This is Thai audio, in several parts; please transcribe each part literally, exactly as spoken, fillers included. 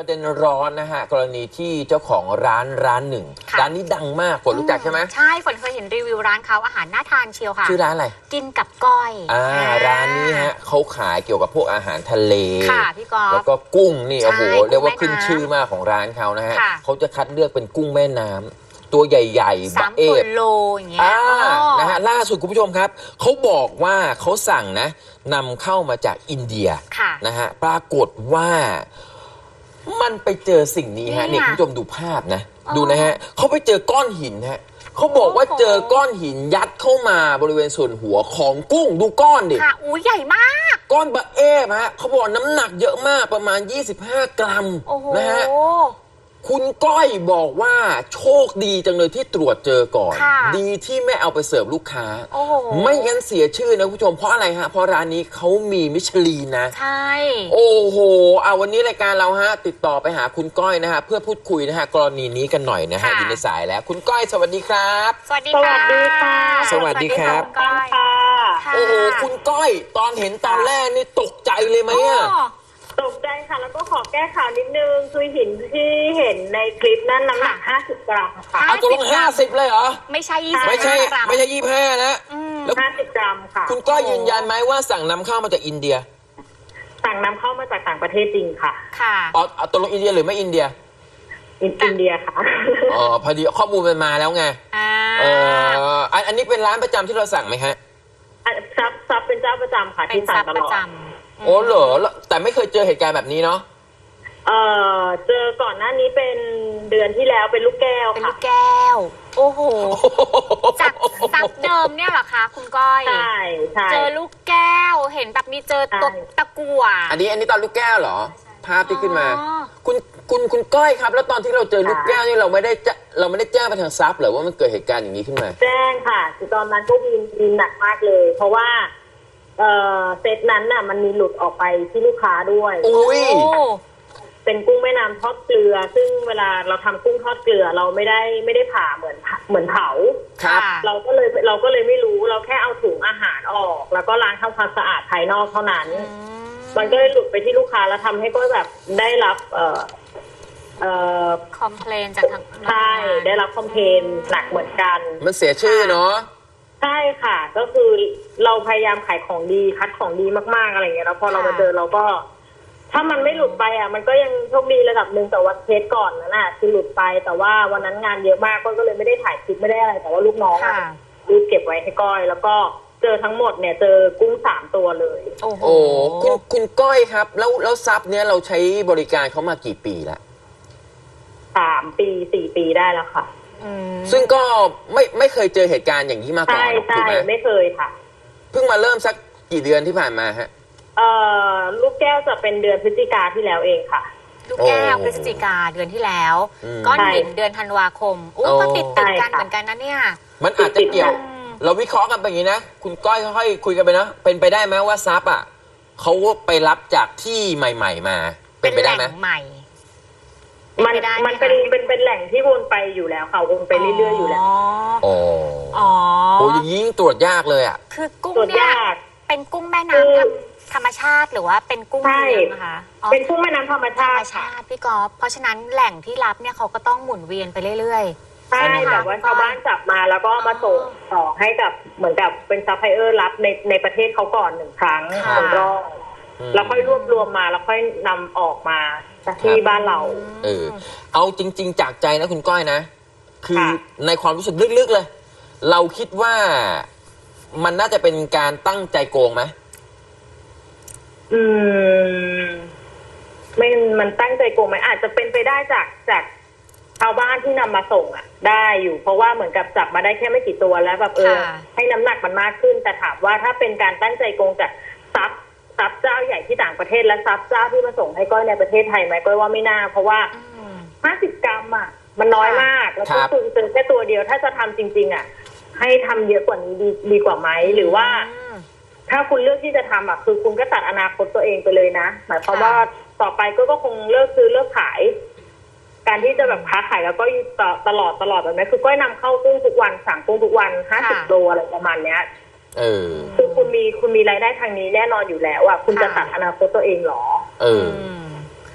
เด็นร้อนนะฮะกรณีที่เจ้าของร้านร้านหนึ่งร้านนี้ดังมากฝนรู้จักใช่ไหมใช่ฝนเคยเห็นรีวิวร้านเขาอาหารน่าทานเชียวค่ะชื่อร้านอะไรกินกับก้อยอ่าร้านนี้ฮะเขาขายเกี่ยวกับพวกอาหารทะเลค่ะพี่กอล์ฟแล้วก็กุ้งนี่โอ้โหเรียกว่าขึ้นชื่อมากของร้านเขานะฮะเขาจะคัดเลือกเป็นกุ้งแม่น้ำตัวใหญ่ๆบะเอฟโลอย่างเงี้ยนะฮะล่าสุดคุณผู้ชมครับเขาบอกว่าเขาสั่งนะนำเข้ามาจากอินเดียนะฮะปรากฏว่ามันไปเจอสิ่งนี้ฮะเนี่ยคุณผู้ชมดูภาพนะดูนะฮะเขาไปเจอก้อนหินฮะเขาบอกว่าเจอก้อนหินยัดเข้ามาบริเวณส่วนหัวของกุ้งดูก้อนดิค่ะอู้ใหญ่มากก้อนบะเอฟฮะเขาบอกน้ำหนักเยอะมากประมาณยี่สิบห้ากรัมนะฮะคุณก้อยบอกว่าโชคดีจังเลยที่ตรวจเจอก่อนดีที่ไม่เอาไปเสิร์ฟลูกค้าไม่งั้นเสียชื่อนะคุณผู้ชมเพราะอะไรฮะเพราะร้านนี้เขามีมิชลีนนะใช่โอ้โหเอาวันนี้รายการเราฮะติดต่อไปหาคุณก้อยนะฮะเพื่อพูดคุยนะฮะกรณีนี้กันหน่อยนะฮะอยู่ในสายแล้วคุณก้อยสวัสดีครับสวัสดีค่ะสวัสดีครับก้อยโอ้โหคุณก้อยตอนเห็นตอนแรกนี่ตกใจเลยไหมอ่ะตกใจค่ะแล้วก็ขอแก้ข่าวนิดนึงคือหินที่เห็นในคลิปนั้นน้ำหนักห้าสิบกรัมค่ะเอาตัวลงห้าสิบเลยเหรอไม่ใช่ยี่สิบไม่ใช่ไม่ใช่ยี่สิบห้านะแล้วห้าสิบกรัมค่ะคุณก้อยยืนยันไหมว่าสั่งนำเข้ามาจากอินเดียสั่งนำเข้ามาจากต่างประเทศจริงค่ะค่ะอ๋อตัวลงอินเดียหรือไม่อินเดียอินเดียค่ะอ๋อพอดีข้อมูลมันมาแล้วไงเอออันนี้เป็นร้านประจำที่เราสั่งไหมฮะซับซับเป็นเจ้าประจำค่ะที่สั่งตลอดโอ้เหรอแต่ไม่เคยเจอเหตุการณ์แบบนี้เนาะเออเจอก่อนหน้านี้เป็นเดือนที่แล้วเป็นลูกแก้วเป็นลูกแก้วโอ้โหจากซับเดิมเนี่ยเหรอคะคุณก้อยใช่ใช่เจอลูกแก้วเห็นแบบมีเจอตัวตะกั่วอันนี้อันนี้ตอนลูกแก้วเหรอภาพที่ขึ้นมาคุณคุณคุณก้อยครับแล้วตอนที่เราเจอลูกแก้วนี่เราไม่ได้จะเราไม่ได้แจ้งไปทางซับหรือว่ามันเกิดเหตุการณ์อย่างนี้ขึ้นมาแจ้งค่ะคือตอนนั้นก็วินวินหนักมากเลยเพราะว่าเอ่อเซตนั้นน่ะมันมีหลุดออกไปที่ลูกค้าด้วยอุ้ยเป็นกุ้งแม่น้ำทอดเกลือซึ่งเวลาเราทำกุ้งทอดเกลือเราไม่ได้ไม่ได้ผ่าเหมือนเหมือนเผาครับเราก็เลยเราก็เลยไม่รู้เราแค่เอาถุงอาหารออกแล้วก็ล้างทำความสะอาดภายนอกเท่านั้นมันก็เลยหลุดไปที่ลูกค้าแล้วทำให้ก็แบบได้รับเอ่อเอ่อคอมเพลนจากทางใช่ได้รับคอมเพลนหนักเหมือนกันมันเสียชื่อเนาะใช่ค่ะก็คือเราพยายามขายของดีคัดของดีมากๆอะไรเงี้ยแล้วพอเรามาเจอเราก็ถ้ามันไม่หลุดไปอ่ะมันก็ยังโชคดีระดับหนึ่งแต่วันเคสก่อนนั่นน่ะคือหลุดไปแต่ว่าวันนั้นงานเยอะมากก็เลยไม่ได้ถ่ายคลิปไม่ได้อะไรแต่ว่าลูกน้องรีบเก็บไว้ให้ก้อยแล้วก็เจอทั้งหมดเนี่ยเจอกุ้งสามตัวเลยโอ้โหคุณคุณก้อยครับแล้วแล้วซับเนี่ยเราใช้บริการเขามากี่ปีแล้วสามปีสี่ปีได้แล้วค่ะซึ่งก็ไม่ไม่เคยเจอเหตุการณ์อย่างนี้มาก่อนถูกไหมไม่เคยค่ะเพิ่งมาเริ่มสักกี่เดือนที่ผ่านมาฮะเอ่อลูกแก้วจะเป็นเดือนพฤศจิกาที่แล้วเองค่ะลูกแก้วพฤศจิกาเดือนที่แล้วก้อนหินเดือนธันวาคมอู้ก็ติดติดกันเหมือนกันนะเนี่ยมันอาจจะเกี่ยวเราวิเคราะห์กันไปอย่างนี้นะคุณก้อยค่อยๆคุยกันไปนะเป็นไปได้ไหมว่าซับอ่ะเขาไปรับจากที่ใหม่ๆมาเป็นไปได้ไหมใหม่มันมันเป็นเป็นเป็นแหล่งที่วนไปอยู่แล้วค่ะวนไปเรื่อยๆอยู่แล้วอ๋ออ๋อโอ้ยยิ่งตรวจยากเลยอ่ะคือกุ้งเนี่ยเป็นกุ้งแม่น้ำธรรมชาติหรือว่าเป็นกุ้งเลี้ยงนะคะเป็นกุ้งแม่น้ำธรรมชาติค่ะพี่กอล์ฟเพราะฉะนั้นแหล่งที่รับเนี่ยเขาก็ต้องหมุนเวียนไปเรื่อยๆใช่แบบว่าชาวบ้านจับมาแล้วก็มาส่งต่อให้กับเหมือนกับเป็นซัพพลายเออร์รับในในประเทศเขาก่อนหนึ่งครั้งหนึ่งรอบแล้วค่อยรวบรวมมาแล้วค่อยนำออกมาที่บ้านเราเออเอาจริงๆจากใจนะคุณก้อยนะคือในความรู้สึกลึกๆเลยเราคิดว่ามันน่าจะเป็นการตั้งใจโกงไหมอืมไม่มันตั้งใจโกงไหมอาจจะเป็นไปได้จากจากชาวบ้านที่นำมาส่งอ่ะได้อยู่เพราะว่าเหมือนกับจับมาได้แค่ไม่กี่ตัวแล้วแบบเออให้น้ำหนักมันมากขึ้นแต่ถามว่าถ้าเป็นการตั้งใจโกงจากซับซับเจ้าใหญ่ที่ต่างประเทศและซับเจ้าที่มาส่งให้ก้อยในประเทศไทยไหมก้อยว่าไม่น่าเพราะว่าห้าสิบกรัมอ่ะมันน้อยมากแล้วก็คือเจอแค่ตัวเดียวถ้าจะทำจริงๆอ่ะให้ทำเยอะกว่านี้ดีดีกว่าไหมหรือว่าถ้าคุณเลือกที่จะทำอ่ะคือคุณก็ตัดอนาคตตัวเองไปเลยนะหมายความว่าต่อไปก็ก็คงเลิกซื้อเลิกขายการที่จะแบบค้าขายแล้วก็ต่อตลอดตลอดแบบนี้คือก้อยนำเข้ากุ้งทุกวันสั่งกุ้งทุกวันห้าสิบโลอะไรประมาณเนี้ยเออคือคุณมีคุณมีรายได้ทางนี้แน่นอนอยู่แล้วอ่ะคุณจะตัดอนาคตตัวเองหรอเออ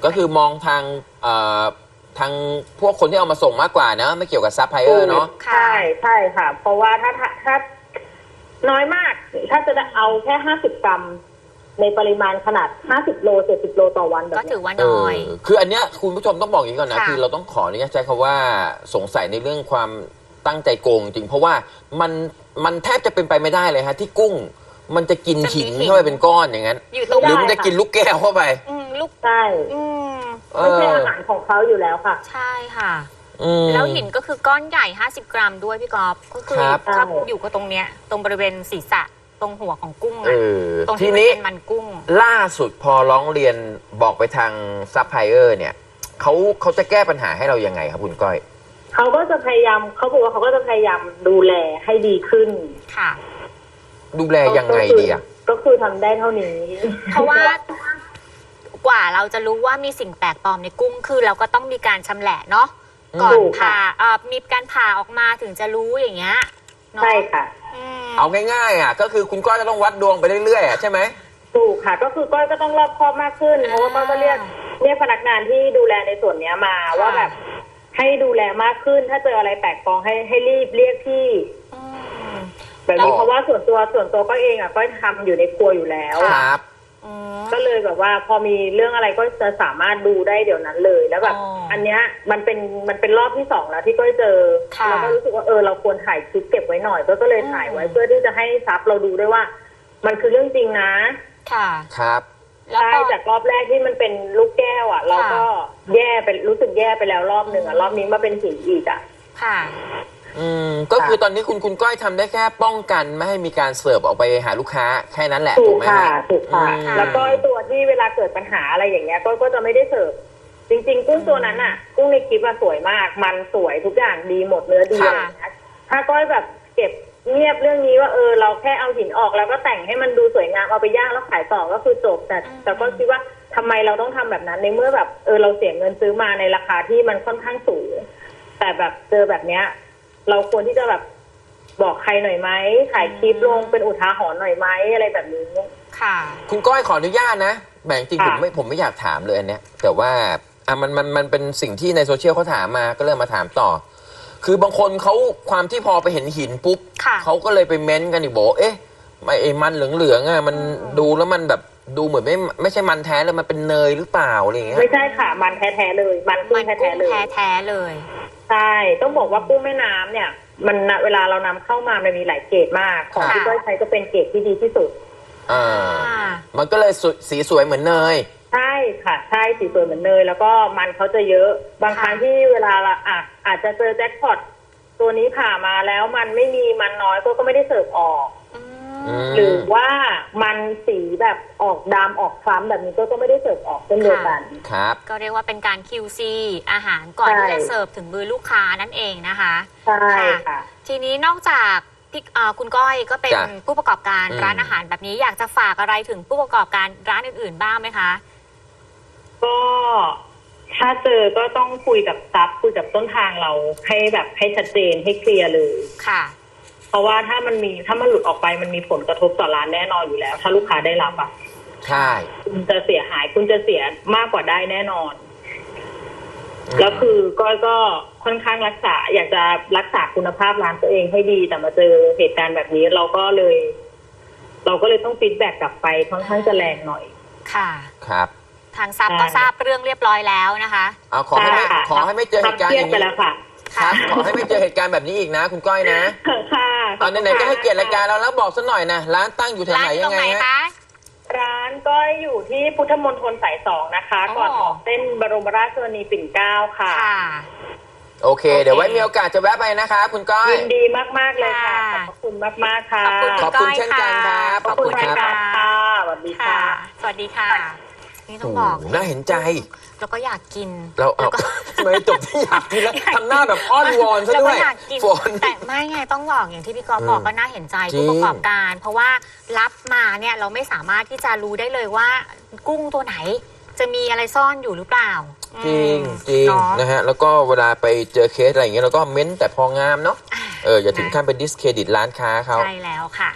ก็คือมองทางเอ่อทางพวกคนที่เอามาส่งมากกว่านะไม่เกี่ยวกับซัพพลายเออร์เนาะใช่ใช่ค่ะ เพราะว่าถ้าถ้าถ้าน้อยมาก ถ้าจะเอาแค่ห้าสิบกรัมในปริมาณขนาดห้าสิบโลเจ็ดสิบโลต่อวันแบบก็นี้ถือว่าน้อยเออคืออันเนี้ยคุณผู้ชมต้องบอกอย่างนี้ก่อนนะค่ะคือเราต้องขออนุญาตใช้คำว่าสงสัยในเรื่องความตั้งใจโกงจริงเพราะว่ามันมันแทบจะเป็นไปไม่ได้เลยฮะที่กุ้งมันจะกินหินเข้าไปเป็นก้อนอย่างนั้นอยู่ตรงหรือมันจะกินลูกแก้วเข้าไปอืมลูกใช่อืมไม่ใช่อาหารของเขาอยู่แล้วค่ะใช่ค่ะอืมแล้วหินก็คือก้อนใหญ่ห้าสิบกรัมด้วยพี่กอล์ฟก็คือครับครับอยู่ก็ตรงเนี้ยตรงบริเวณศีรษะตรงหัวของกุ้งเออะอตรงทีที่มันนี้เป็นมันกุ้งล่าสุดพอร้องเรียนบอกไปทางซัพพลายเออร์เนี่ยเขาเขาจะแก้ปัญหาให้เรายังไงครับคุณก้อยเขาก็จะพยายามเขาบอกว่าเขาก็จะพยายามดูแลให้ดีขึ้นค่ะดูแลยังไงดีอะก็คือทำได้เท่านี้เพราะว่ากว่าเราจะรู้ว่ามีสิ่งแปลกปลอมในกุ้งคือเราก็ต้องมีการชำแหละเนาะก่อนถูกค่ะผ่าเอ่อมีการผ่าออกมาถึงจะรู้อย่างเงี้ยเนาะใช่ค่ะอืมเอาง่ายๆอ่ะก็คือคุณก้อยจะต้องวัดดวงไปเรื่อยๆอ่ะใช่ไหมถูกค่ะ ก็คือก้อยก็ต้องรอบคอบมากขึ้น เพราะว่าก้อยก็เรียกเรียกพนักงานที่ดูแลในส่วนเนี้ยมาว่าแบบให้ดูแลมากขึ้น ถ้าเจออะไรแปลกปลอมให้ให้รีบเรียกพี่อืมแบบนี้เพราะว่าส่วนตัวส่วนตัวก็เองอ่ะก็ทำอยู่ในครัวอยู่แล้วครับอืมก็เลยแบบว่าพอมีเรื่องอะไรก็จะสามารถดูได้เดี๋ยวนั้นเลยแล้วแบบอ๋ออัอันเนี้ยมันเป็นมันเป็นรอบที่สองแล้วที่ก้อยเจอค่ะเราก็รู้สึกว่าเออเราควรถ่ายคลิปเก็บไว้หน่อยก็ก็เลยถ่ายไว้เพื่อที่จะให้ซับเราดูด้วยว่า มันคือเรื่องจริงนะค่ะครับแล้วใช่ก็จากรอบแรกที่มันเป็นลูกแก้วอ่ะ เราก็แย่ไปรู้สึกแย่ไปแล้วรอบหนึ่งอ่ะรอบนี้มาเป็นหินอีกอ่ะค่ะอืมก็คือตอนนี้คุณคุณก้อยทำได้แค่ป้องกันไม่ให้มีการเสิร์ฟออกไปหาลูกค้าแค่นั้นแหละถูถูกกไหมค่ะฮะถูกค่ะอืมแล้วก็ไอ้ตัวที่เวลาเกิดปัญหาอะไรอย่างเงี้ยก็ก็จะไม่ได้เสิร์ฟจริง ๆ กุ้งตัวนั้นอ่ะ กุ้งในคลิปอะสวยมาก มันสวยทุกอย่างดีหมดเนื้อดีค่ะอะไรอย่างเงี้ยถ้าก้อยแบบเก็บเงียบเรื่องนี้ว่าเออเราแค่เอาหินออกแล้วก็แต่งให้มันดูสวยงามเอาไปย่างแล้วขายต่อก็คือจบแต่แต่ก็คิดว่าทำไมเราต้องทำแบบนั้นในเมื่อแบบเออเราเสียเงินซื้อมาในราคาที่มันค่อนข้างสูงแต่แบบเจอแบบเนี้ย เราควรที่จะแบบบอกใครหน่อยไหมถ่ายคลิปลงเป็นอุทาหรณ์หน่อยไหมอะไรแบบนี้ค่ะคุณก้อยขออนุญาตนะแบ่งจริงผมค่ะไม่ผมไม่อยากถามเลยอันเนี้ยแต่ว่าอ่ะมันมันมันเป็นสิ่งที่ในโซเชียลเขาถามมาก็เลยมาถามต่อ คือบางคนเขาความที่พอไปเห็นหินปุ๊บค่ะเขาก็เลยไปเม้นต์กันอีกบอกเอ๊ะไม่ไอ้มันเหลืองๆอ่ะมันดูแล้วมันแบบดูเหมือนไม่ไม่ใช่มันแท้เลยมันเป็นเนยหรือเปล่าอะไรอย่างเงี้ยไม่ใช่ค่ะ มันแท้ๆเลย มันกุ้มังนแท้กุ้งๆเลยแท้ๆเลยใช่ต้องบอกว่ากุ้งแม่น้ำเนี่ย มันน่ะเวลาเรานำเข้ามามันมีหลายเกรดมาก ของค่ะที่ก้อยใช้ก็เป็นเกรดที่ดีที่สุดอ่าอ่ามันก็เลยสวยสีสวยเหมือนเนยใช่ค่ะใช่สีสวยเหมือนเนยแล้วก็มันเขาจะเยอะ บางครั้งที่เวลาเราอ่ะอาจจะเจอแจ็คพอตตัวนี้ผ่ามาแล้วมันไม่มีมันน้อยก็ก็ไม่ได้เสิร์ฟออกอือืมมหรือว่ามันสีแบบออกดำออกคล้ำแบบนี้ก็ก็ไม่ได้เสิร์ฟออกเช่นเดียวกันครับก็เรียกว่าเป็นการ คิว ซี อาหารก่อนใช่ที่จะเสิร์ฟถึงมือลูกค้านั่นเองนะคะใช่ค่ะทีนี้นอกจากพี่เอ่อคุณก้อยก็เป็นจ้ะผู้ประกอบการอืมร้านอาหารแบบนี้อยากจะฝากอะไรถึงผู้ประกอบการร้านอื่นๆบ้างไหมคะก็ถ้าเจอก็ต้องคุยกับซับคุยกับต้นทางเราให้แบบให้ชัดเจนให้เคลียร์เลยค่ะเพราะว่าถ้ามันมีถ้ามันหลุดออกไปมันมีผลกระทบต่อร้านแน่นอนอยู่แล้ว ถ้าลูกค้าได้รับอ่ะใช่คุณจะเสียหายคุณจะเสียมากกว่าได้แน่นอน แล้วคือก้อยก็ค่อนข้างรักษา อยากจะรักษาคุณภาพร้านตัวเองให้ดีแต่มาเจอเหตุการณ์แบบนี้เราก็เลย เราก็เลยต้องฟีดแบ็กกลับไปค่อนข้างจะแรงหน่อยค่ะครับทางซับใช่ก็ทราบเรื่องเรียบร้อยแล้วนะคะเอาขอให้ไม่ค่ะขอให้ไม่เจอเหตุการณ์เครีอยดย่างไปนี้แล้วค่ะครับ ขอให้ไม่เจอเหตุการณ์แบบนี้อีกนะ คุณก้อยนะค่ะตอนไหนๆก็ให้เกียรติรายการเราแล้วบอกสักหน่อยนะร้านตั้งอยู่แถวร้านไหนอยู่ตยัรง งไงไหนฮะคะร้านก็อยู่ที่พุทธมณฑลสายสองนะคะอ๋อก่อนออกเส้นบรมราชชนนีปิ่นเกล้าค่ะค่ะโอเค เดี๋ยวไว้มีโอกาสจะแวะไปนะคะคุณก้อยยินดีมาก ๆ เลยค่ะ ขค่ะอบพระคุณมาก ๆ ค่ะขอบคุณขอบคุณเช่นกันครับขอบคุณขอบคุณรายครักาบรค่ะสวัสดีค่ะค่ะสวัสดีค่ะ นี่ต้องโอ้บอกโหน่าเห็นใจแล้วก็อยากกินเราเอาแล้วก็ทำไมจบที่อยากกินแล้วทำหน้าแบบอ้อนวอนซะแล้วด้ก็วยอยากกินฝนแต่ไม่ไงต้องบอกอย่างที่พี่กอล์ฟอืมบอกก็น่าเห็นใจจริงผู้ประกอบการ เพราะว่ารับมาเนี่ยเราไม่สามารถที่จะรู้ได้เลยว่ากุ้งตัวไหน จะมีอะไรซ่อนอยู่หรือเปล่าจริงอืมจริงเนาะนะฮะแล้วก็เวลาไปเจอเคสอะไรอย่างเงี้ยเราก็เม้นแต่พองามเนาะอ่าเอออย่าถึงขั้นเป็นดิสเครดิตร้านค้าเขาใช่แล้วค่ะ